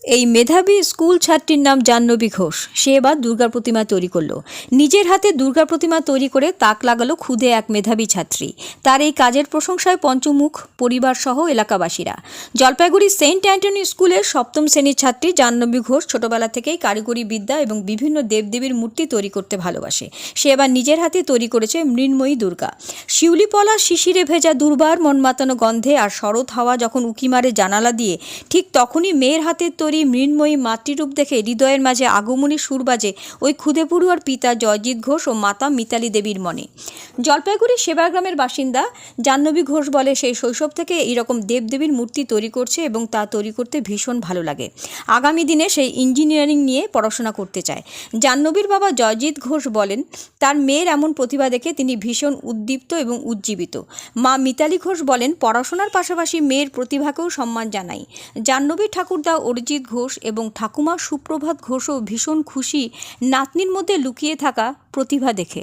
এই মেধাবী স্কুল ছাত্রীর নাম জাহ্নবী ঘোষ। সে এবার দুর্গার প্রতিমা তৈরি করলো। নিজের হাতে দুর্গা প্রতিমা তৈরি করে তাক লাগালো খুদে এক মেধাবী ছাত্রী। তার এই কাজের প্রশংসায় পঞ্চমুখ পরিবার সহ এলাকাবাসীরা। জলপাইগুড়ি সেন্ট অ্যান্টনি স্কুলের সপ্তম শ্রেণীর ছাত্রী জাহ্নবী ঘোষ ছোটবেলা থেকেই কারিগরি বিদ্যা এবং বিভিন্ন দেবদেবীর মূর্তি তৈরি করতে ভালোবাসে। সে এবার নিজের হাতে তৈরি করেছে মৃন্ময়ী দুর্গা। শিউলিপলা শিশিরে ভেজা দুর্বার মন মাতানো গন্ধে আর শরৎ হাওয়া যখন উকি মারে জানালা দিয়ে, ঠিক তখনই মেয়ের হাতের তৈরি মৃন্ময়ী মাতৃরূপ দেখে হৃদয়ের মাঝে আগমনী সুর বাজে ওই খুদে পড়ুয়ার পিতা জয়জিৎ ঘোষ ও মাতা মিতালি দেবীর মনে। জলপাইগুড়ি সেবাগ্রামের বাসিন্দা জাহ্নবী ঘোষ বলে, সেই শৈশব থেকে এইরকম দেবদেবীর মূর্তি তৈরি করছে এবং তা তৈরি করতে ভীষণ ভালো লাগে। আগামী দিনে সেই ইঞ্জিনিয়ারিং নিয়ে পড়াশোনা করতে চায়। জাহ্নবীর বাবা জয়জিৎ ঘোষ বলেন, তার মেয়ের এমন প্রতিভা দেখে তিনি ভীষণ উদ্দীপ্ত এবং উজ্জীবিত। মা মিতালি ঘোষ বলেন, পড়াশোনার পাশাপাশি মেয়ের প্রতিভাকেও সম্মান জানাই। জাহ্নবী ঠাকুরদা অরিজিৎ ঘোষ এবং ঠাকুমা সুপ্রভাত ঘোষও ভীষণ খুশি নাতনির মধ্যে লুকিয়ে থাকা প্রতিভা দেখে।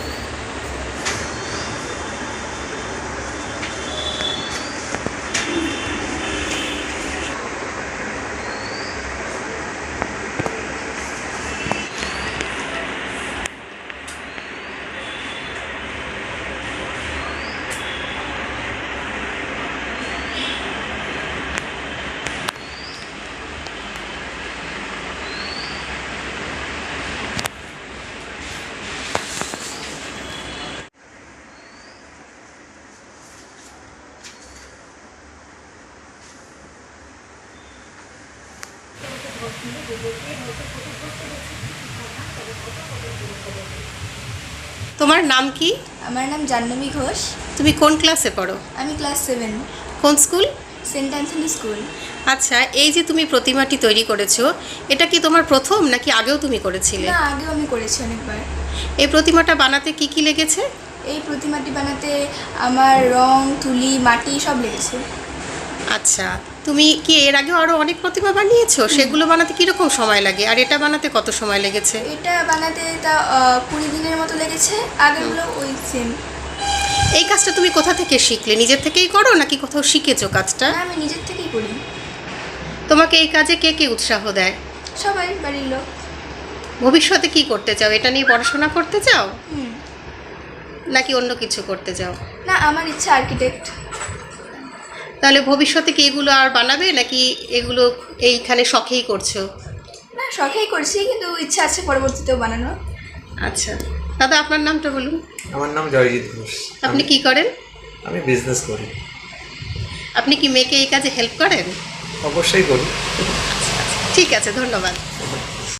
তোমার নাম কি? আমার নাম জাহ্নবী ঘোষ। তুমি কোন ক্লাসে পড়ো? আমি ক্লাস 7, কোন স্কুল? Saint Anthony school. আচ্ছা, এই যে তুমি প্রতিমাটি তৈরি করেছো, এটা কি তোমার প্রথম নাকি আগেও তুমি করেছিলে? না, আগেও আমি করেছি অনেকবার। এই প্রতিমাটা বানাতে কি কি লেগেছে? এই প্রতিমাটি বানাতে আমার রং, তুলি, মাটি সব লেগেছে। আচ্ছা, তুমি কি এর আগেও আরও অনেক প্রতিমা বানিয়েছো? সেগুলো বানাতে কীরকম সময় লাগে, আর এটা বানাতে কত সময় লেগেছে? এটা বানাতে তা 20 দিনের মতো লেগেছে। আগেরগুলো ওই সেম। এই কাজটা তুমি কোথা থেকে শিখলে? নিজের থেকেই করো নাকি কোথাও শিখেছো কাজটা? না, আমি নিজের থেকেই করি। তোমাকে এই কাজে কে কে উৎসাহ দেয়? সবাই, বাড়ির লোক। ভবিষ্যতে কি করতে চাও? এটা নিয়ে পড়াশোনা করতে চাও হুম। নাকি অন্য কিছু করতে চাও? না, আমার ইচ্ছা আর্কিটেক্ট। তাহলে ভবিষ্যতে কি এগুলো আর বানাবে নাকি এগুলো এইখানে শখেই করছো? না, শখেই করছি, কিন্তু ইচ্ছা আছে পরবর্তীতেও বানানো। আচ্ছা দাদা, আপনার নামটা বলুন। আমার নাম জয়জিৎ ঘোষ। আপনি কি করেন? আমি বিজনেস করি। আপনি কি মেয়েকে এই কাজে হেল্প করেন? অবশ্যই করি। ঠিক আছে, ধন্যবাদ।